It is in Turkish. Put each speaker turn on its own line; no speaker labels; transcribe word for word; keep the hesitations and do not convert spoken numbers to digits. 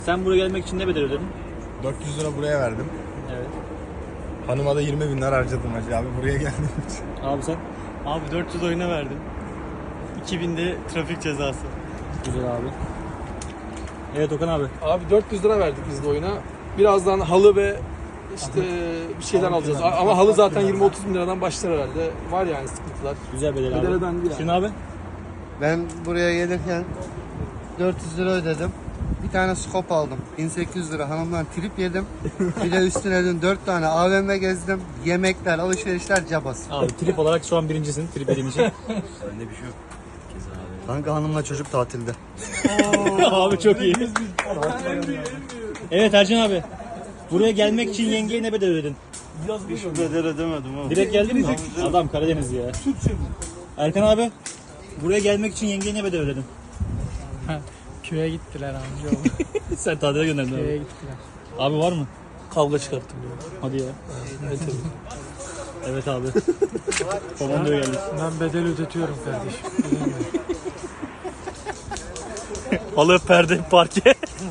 Sen buraya gelmek için ne bedel ödedin?
dört yüz lira buraya verdim.
Evet.
Hanıma da yirmi bin lira harcadım hacı abi buraya geldiğim için.
Abi sen?
Abi dört yüz oyuna verdim. iki bin de trafik cezası.
Güzel abi. Evet Okan abi.
Abi dört yüz lira verdik biz de oyuna. Birazdan halı ve işte bir şeyler alacağız. Ama halı zaten yirmi otuz bin liradan başlar herhalde. Var yani sıkıntılar.
Güzel bedel abi.
Bedel ödendi yani.
Şirin abi?
Ben buraya gelirken dört yüz lira ödedim. Bir tane skop aldım. bin sekiz yüz lira hanımdan trip yedim. Bir de üstüne dün dört tane A V M gezdim. Yemekler, alışverişler cabası.
Abi trip olarak şu an birincisin trip yediğin için.
Kanka hanımla çocuk tatilde.
Abi çok iyi. Evet Ercan abi. Buraya gelmek için yengeye ne bedel ödedin?
Hiç bedel ödemedim abi.
Direkt geldin mi? Adam Karadeniz ya. Erkan abi. Buraya gelmek için yengeye ne bedel ödedin?
Köye gittiler amca.
Sen tatile gönderdin
Köye
abi.
gittiler.
Abi var mı?
Kavga çıkarttım diyor.
Hadi ya.
Evet, tabii.
Evet abi. Komandoya geldik.
Ben bedel ödetiyorum kardeşim.
Halı, perde, parke.